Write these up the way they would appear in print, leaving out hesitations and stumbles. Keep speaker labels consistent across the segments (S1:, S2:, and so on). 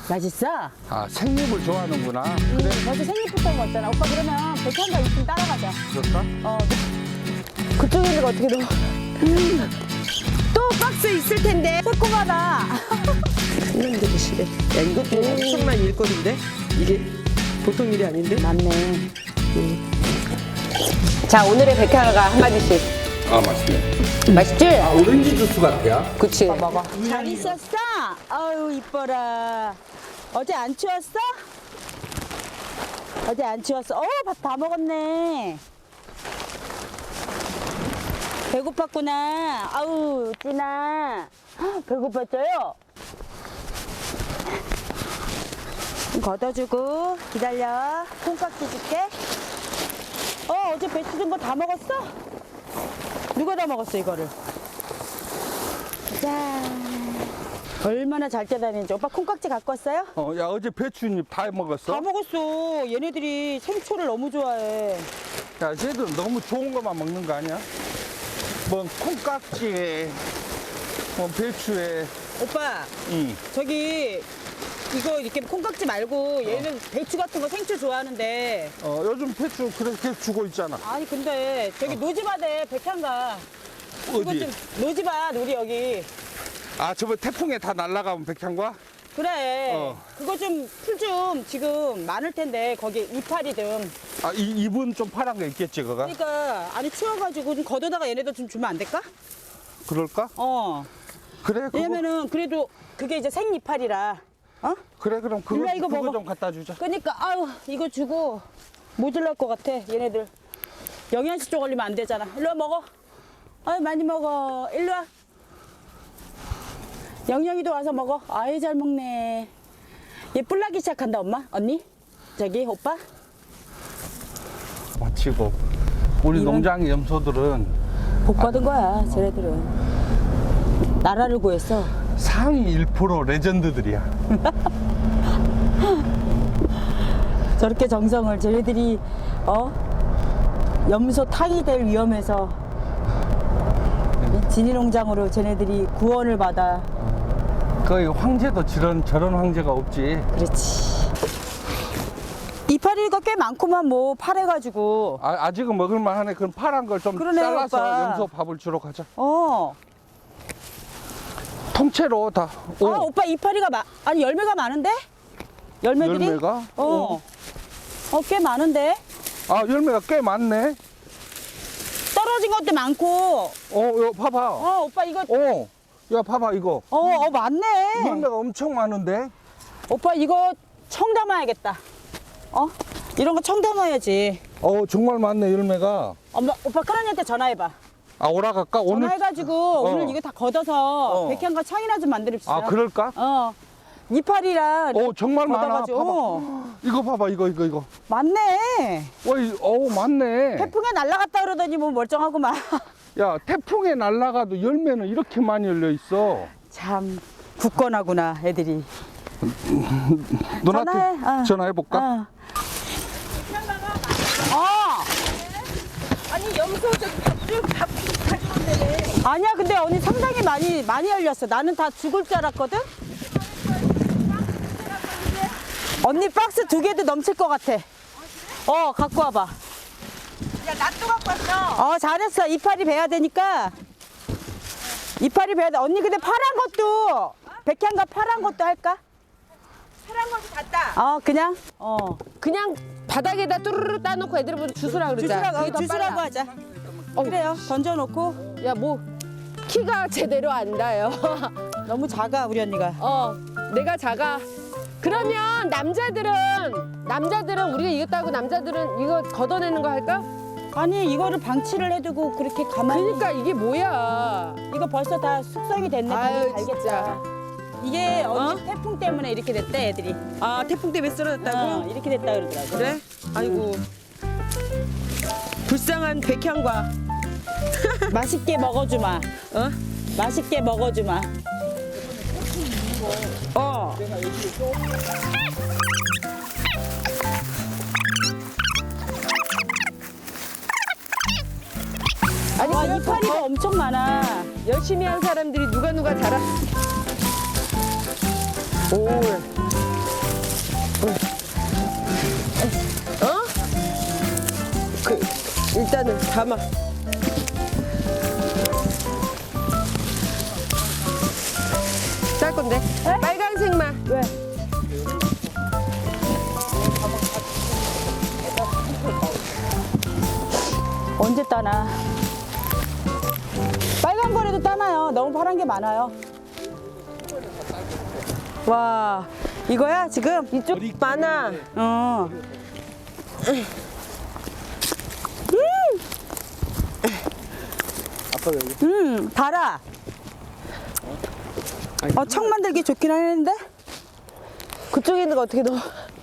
S1: 맛있어?
S2: 아, 생잎을 좋아하는구나.
S1: 그래. 벌써 생잎부터 먹었잖아. 오빠 그러면 백향가 있으면 따라가자.
S2: 그럴까?
S1: 그쪽에 있는 거 어떻게 넣어? 또 박스 있을 텐데. 새콤하다.
S3: 큰년들이 싫어. 야, 이것도 엄청난 일거리인데? 이게 보통 일이 아닌데?
S1: 맞네. 자, 오늘의 백향가 한마디씩.
S2: 아, 맛있네.
S1: 맛있지?
S2: 아, 오렌지 주스 같아요.
S1: 그치. 먹어. 잘 있었어? 아유, 이뻐라. 어제 안 추웠어? 어제 안 추웠어? 밥 다 먹었네. 배고팠구나. 아우, 찐아. 배고팠어요? 걷어주고, 기다려. 콩깍지 줄게. 어제 배추 든 거 다 먹었어? 누가 다 먹었어, 이거를? 짠. 얼마나 잘 떼다니는지. 오빠 콩깍지 갖고 왔어요?
S2: 야, 어제 배추잎 다 먹었어?
S1: 다 먹었어. 얘네들이 생초를 너무 좋아해.
S2: 야, 쟤들 너무 좋은 것만 먹는 거 아니야? 뭐, 콩깍지에, 뭐, 배추에.
S1: 오빠,
S2: 응.
S1: 저기 이거 이렇게 콩깍지 말고 얘는 배추 같은 거 생초 좋아하는데.
S2: 요즘 배추 그렇게 주고 있잖아.
S1: 아니 근데 저기 노지밭에 백향가. 그거
S2: 어디?
S1: 좀 노지밭 우리 여기.
S2: 아, 저번 태풍에 다 날아가면 백향과?
S1: 그래. 그거 좀 풀 좀 지금 많을 텐데 거기 이파리든.
S2: 아, 잎은 좀 파란 거 있겠지, 그거?
S1: 그러니까 아니 추워가지고 좀 걷어다가 얘네들 좀 주면 안 될까?
S2: 그럴까? 그래, 그거.
S1: 왜냐면은 그래도 그게 이제 생이파리라.
S2: 그래, 그럼 그거,
S1: 일로와, 이거
S2: 그거
S1: 먹어.
S2: 좀 갖다 주자.
S1: 그러니까 아유 이거 주고 모질랄 것 같아 얘네들. 영양식 쪽 걸리면 안 되잖아. 일로 와 먹어. 아유 많이 먹어. 일로 와. 영양이도 와서 먹어. 아유 잘 먹네. 얘 뿔나기 시작한다 엄마. 언니 저기 오빠.
S2: 마치고. 우리
S1: 이런-
S2: 농장 염소들은
S1: 복 받은 거야 쟤네들은. 나라를 구했어.
S2: 상위 1% 레전드들이야.
S1: 저렇게 정성을 쟤네들이 염소 탕이 될 위험에서 진이농장으로 쟤네들이 구원을 받아.
S2: 거의 황제도 저런 황제가 없지.
S1: 그렇지. 이파리가 꽤 많구만 뭐 파래가지고.
S2: 아직은 먹을만 하네. 그럼 파란 걸 좀
S1: 그러네,
S2: 잘라서
S1: 오빠.
S2: 염소 밥을 주러 가자. 통째로 다.
S1: 오빠 이파리가 아니 열매가 많은데? 열매들이?
S2: 열매가?
S1: 꽤 많은데?
S2: 아, 열매가 꽤 많네.
S1: 떨어진 것도 많고.
S2: 이거 봐봐.
S1: 오빠 이거.
S2: 야, 봐봐, 이거.
S1: 많네.
S2: 열매가 엄청 많은데?
S1: 오빠 이거 청 담아야겠다. 이런 거 청 담아야지.
S2: 정말 많네, 열매가.
S1: 오빠 큰언니한테 전화해봐.
S2: 아, 오라갈까? 오늘?
S1: 전화해가지고 오늘 이거 다 걷어서 백향과 청이나 좀 만들읍시다.
S2: 아, 그럴까?
S1: 이파리랑
S2: 정말 많아.
S1: 걷어가지고.
S2: 봐봐. 이거 봐봐, 이거.
S1: 많네.
S2: 많네.
S1: 태풍에 날아갔다 그러더니 뭐 멀쩡하구만.
S2: 야, 태풍에 날아가도 열매는 이렇게 많이 열려 있어.
S1: 참 굳건하구나 애들이.
S2: 누나한테
S1: 전화해.
S2: 전화해볼까?
S1: 아니 염소 밥 가져온다네. 아니야 근데 언니 상당히 많이 열렸어. 나는 다 죽을 줄 알았거든. 언니 박스 2개도 넘칠 것 같아. 갖고 와봐.
S4: 야, 나 또 갖고 왔어.
S1: 잘했어. 이파리 베야 되니까. 이파리 베야 돼. 언니 근데 파란 것도 백향과 파란 것도 할까?
S4: 파란 것이 같다.
S1: 그냥?
S5: 그냥 바닥에다 뚜루루 따놓고 애들 보면 주스라 그러자. 그게 더
S1: 주스라고
S5: 빨라.
S1: 하자. 그래요. 던져놓고.
S5: 야, 뭐 키가 제대로 안 닿아요.
S1: 너무 작아 우리 언니가.
S5: 내가 작아. 그러면 남자들은 우리가 이겼다고 남자들은 이거 걷어내는 거 할까?
S1: 아니 이거를 방치를 해두고 그렇게 가만히.
S5: 그러니까 이게 뭐야?
S1: 이거 벌써 다 숙성이 됐네.
S5: 아유,
S1: 알겠다.
S5: 진짜.
S1: 이게 언니 태풍 때문에 이렇게 됐대 애들이.
S3: 태풍 때문에 쓰러졌다고?
S1: 이렇게 됐다 그러더라고.
S3: 그래? 아이고. 불쌍한 백향과.
S1: 맛있게 먹어주마. 맛있게 먹어주마.
S5: 아니
S1: 와
S5: 그래서
S1: 이파리가 엄청 많아.
S5: 열심히 한 사람들이 누가 잘하.
S2: 오,
S3: 일단은 담아. 짤 건데. 빨간색만.
S1: 왜? 언제 따나? 빨간 거라도 따나요? 너무 파란 게 많아요. 와, 이거야 지금?
S3: 이쪽 많아.
S1: 어. 달아. 청 만들기 좋긴 하는데?
S3: 그쪽에 있는 거 어떻게 넣어?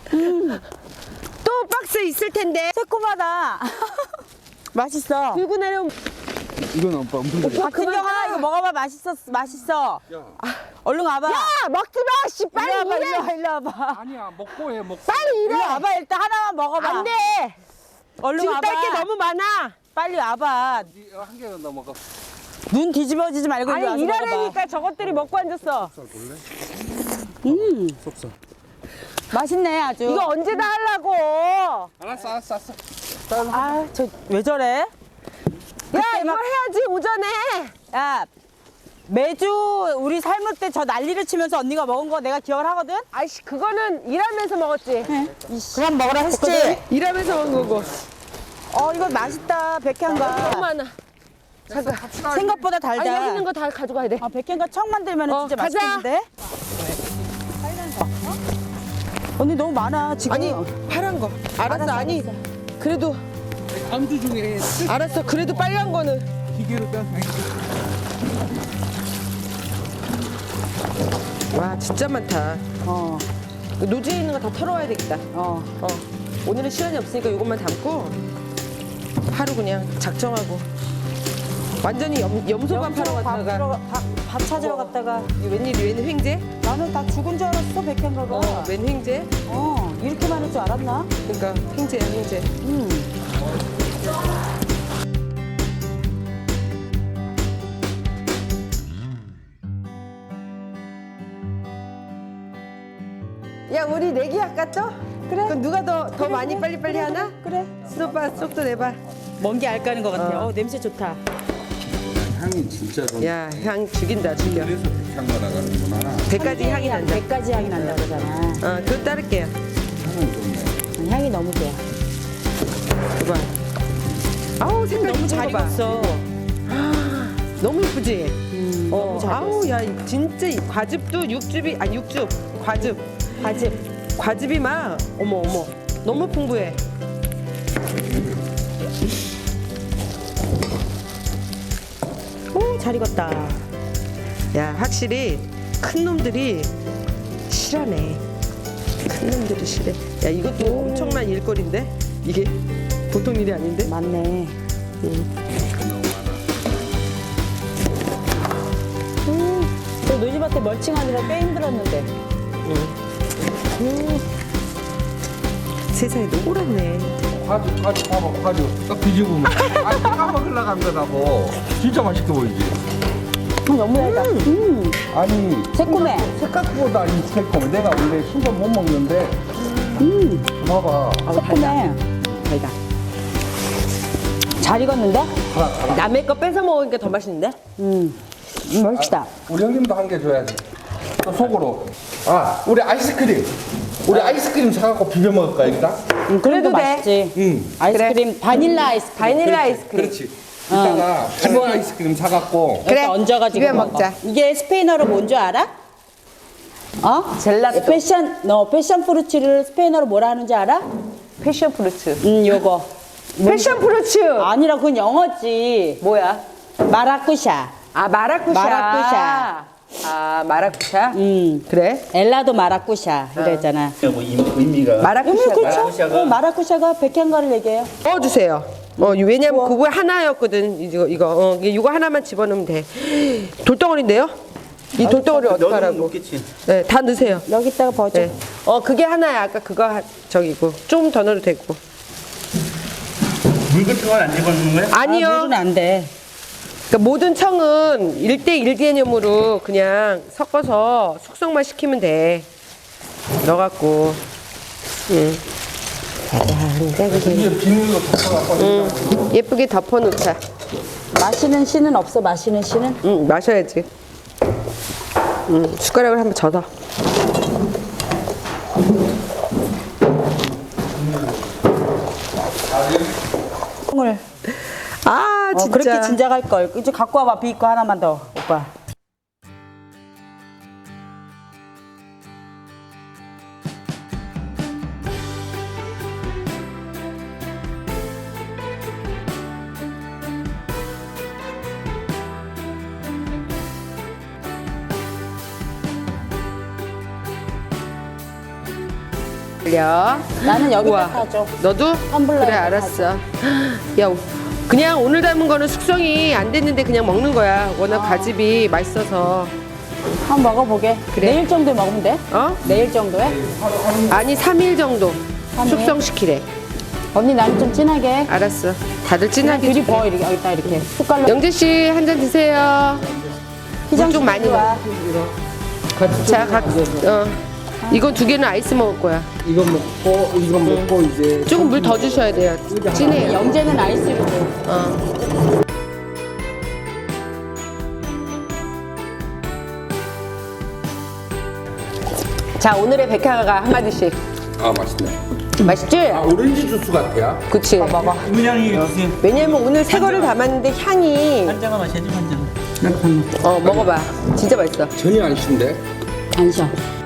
S3: 또 박스 있을 텐데.
S1: 새콤하다. 맛있어.
S3: 들고 내려오면.
S2: 이건 오빠 무슨
S1: 박진경아 이거 먹어봐. 맛있어. 얼른 와봐.
S3: 야, 먹지 마! 씨, 빨리
S1: 일로 와봐.
S3: 일해!
S1: 일로 와봐.
S2: 아니야 먹고 해 먹고.
S3: 빨리
S1: 일로
S3: 일해!
S1: 와봐. 일단 하나만 먹어봐.
S3: 안 돼!
S1: 얼른
S3: 지금
S1: 와봐.
S3: 딸 게 너무 많아!
S1: 빨리 와봐.
S2: 한 개는 더 먹어.
S1: 눈 뒤집어지지 말고 일로 와서
S3: 아니,
S1: 먹어봐.
S3: 일하려니까 저것들이 먹고 앉았어.
S1: 맛있네 아주.
S3: 이거 언제 다 하려고?
S2: 알았어.
S1: 아, 저 왜 저래?
S3: 야, 이걸 해야지, 오전에!
S1: 야, 매주 우리 삶을 때 저 난리를 치면서 언니가 먹은 거 내가 기억을 하거든?
S3: 아이씨, 그거는 일하면서 먹었지.
S1: 그럼 먹으라 했지?
S3: 일하면서 먹은 거고.
S1: 이거 맛있다, 백향가.
S3: 너무 많아. 잠깐.
S1: 생각보다
S3: 아,
S1: 달다.
S3: 여기 있는 거 다 가져가야 돼.
S1: 백향가 청 만들면 진짜
S3: 가자.
S1: 맛있겠는데? 언니 너무 많아, 지금.
S3: 아니, 파란 거. 알았어, 아니. 그래도,
S2: 안주 중에
S3: 알았어. 그래도 빨간 거는.
S2: 기계로 딴.
S3: 와, 진짜 많다.
S1: 어,
S3: 노지에 있는 거 다 털어와야 되겠다.
S1: 어.
S3: 오늘은 시간이 없으니까 이것만 담고 하루 그냥 작정하고 완전히 염소밥 하러 갔다가
S1: 밥 찾으러 갔다가.
S3: 이게 웬 횡재?
S1: 나는 다 죽은 줄 알았어, 백향가가.
S3: 웬 횡재?
S1: 이렇게 많을 줄 알았나?
S3: 그러니까 횡재야 횡재. 야, 우리 내기 할까 또?
S1: 그래.
S3: 그럼 누가 더 많이 빨리빨리 하나?
S1: 그래.
S3: 수도빠 속도 내봐.
S1: 먼 게 알까는 것 같아. 냄새 좋다.
S2: 향이 진짜 좋네.
S3: 야, 향 죽인다 죽여.
S2: 그래서 향 나가는구나.
S3: 100가지 향이 난다.
S1: 100가지 향이 난다 그러잖아.
S3: 그거 따를게요.
S2: 향은 좋네.
S1: 향이 너무 좋아.
S3: 봐봐. 아우 색깔
S1: 너무
S3: 이쁜
S1: 잘
S3: 거 봐.
S1: 익었어.
S3: 너무 이쁘지?
S1: 너무 잘
S3: 아우 야 진짜 이 과즙도 육즙이 아니 육즙 과즙
S1: 과즙.
S3: 과즙이 막 어머 너무 풍부해.
S1: 오, 잘 익었다.
S3: 야 확실히 큰 놈들이 실하네. 큰 놈들이 실해. 야 이것도 엄청난 일거리인데 이게 보통 일이 아닌데.
S1: 맞네. 저 노지밭에 멀칭하느라 꽤 힘들었는데.
S3: 세상에 노랗네.
S2: 과즙 봐봐 과즙 딱 뒤집으면 아 먹으려고 한 거라고. 진짜 맛있게 보이지.
S1: 너무 달다.
S2: 아니
S1: 새콤해.
S2: 생각보다 이 새콤해. 내가 원래 순서 못 먹는데 봐봐.
S1: 새콤해. 달다. 잘 익었는데?
S3: 남의 거 뺏어 먹으니까 더 맛있는데?
S1: 맛있다.
S2: 우리 형님도 한 개 줘야지. 또 속으로. 우리 아이스크림. 우리 아이스크림 사갖고 비벼 먹을까 여기다?
S1: 그래도
S3: 돼.
S1: 맛있지. 아이스크림, 바닐라 아이스크림.
S3: 바닐라 아이스크림.
S2: 그렇지. 이따가 기본 아이스크림 사갖고
S1: 그래. 얹어가지고
S3: 비벼
S1: 먹어.
S3: 먹자.
S1: 이게 스페인어로 뭔 줄 알아?
S3: 젤라또.
S1: 패션 프루츠를 스페인어로 뭐라 하는지 알아?
S3: 패션 프루츠.
S1: 요거.
S3: 패션 프루츠.
S1: 아니라 그건 영어지.
S3: 뭐야?
S1: 마라쿠샤.
S3: 아 마라쿠샤.
S1: 마라쿠샤.
S3: 아 마라쿠샤. 그래?
S1: 엘라도 마라쿠샤 이랬잖아.
S6: 뭐 의미가
S3: 마라쿠샤가.
S1: 그렇죠? 마라쿠샤가 백향가를 얘기해요.
S3: 넣어주세요. 왜냐면 그거 하나였거든. 이거 하나만 집어넣으면 돼. 돌덩어리인데요? 이 돌덩어리 어떡하라고?
S6: 먹겠지.
S3: 네, 다 넣으세요.
S1: 여기다가 버져.
S3: 네. 그게 하나야. 아까 그거 저기고 좀 더 넣어도 되고.
S6: 물 같은 건 안 집어넣는 거야?
S3: 아니요.
S1: 물은 안 돼.
S3: 그러니까 모든 청은 1대1 개념으로 그냥 섞어서 숙성만 시키면 돼. 넣어갖고.
S2: 이게 비닐로 덮어갖고
S5: 예쁘게 덮어놓자.
S1: 마시는 씨는 없어, 마시는 씨는?
S5: 응, 마셔야지. 숟가락을 한번 젖어.
S1: 콩을.
S5: 아, 진짜.
S1: 그렇게 진작할 걸. 이제 갖고 와봐, 비거 하나만 더, 오빠.
S5: 걸려.
S1: 나는 여기다
S5: 우와.
S1: 타줘.
S5: 너도?
S1: 텀블러에다
S5: 그래, 알았어. 야, 그냥 오늘 담은 거는 숙성이 안 됐는데 그냥 먹는 거야. 워낙 가집이 맛있어서.
S1: 한번 먹어보게.
S5: 그래.
S1: 내일 정도에 먹으면 돼?
S5: 어?
S1: 내일 정도에?
S5: 아니, 3일 정도
S1: 3일?
S5: 숙성시키래.
S1: 언니 나는 좀 진하게.
S5: 알았어. 다들
S1: 그냥
S5: 진하게.
S1: 들이 부어, 이렇게, 여기다 이렇게. 숟갈로.
S5: 영재 씨, 한 잔 드세요. 물 좀 많이
S1: 와.
S5: 자, 이건 2개는 아이스 먹을 거야.
S6: 이거 먹고 이제
S5: 조금 물 더 주셔야 돼요. 진해요.
S1: 영재는 아이스로.
S5: 자, 오늘의 백화가 한마디씩.
S6: 아 맛있네.
S5: 맛있지?
S6: 아 오렌지 주스 같아요.
S5: 그치?
S1: 먹어.
S7: 문양이 주세요.
S5: 왜냐면 오늘 새 거를 담았는데 향이.
S7: 한 잔만 마셔야지, 한 잔.
S5: 먹어봐. 진짜 맛있어.
S6: 전혀 안 신데.
S1: 안 쉬어.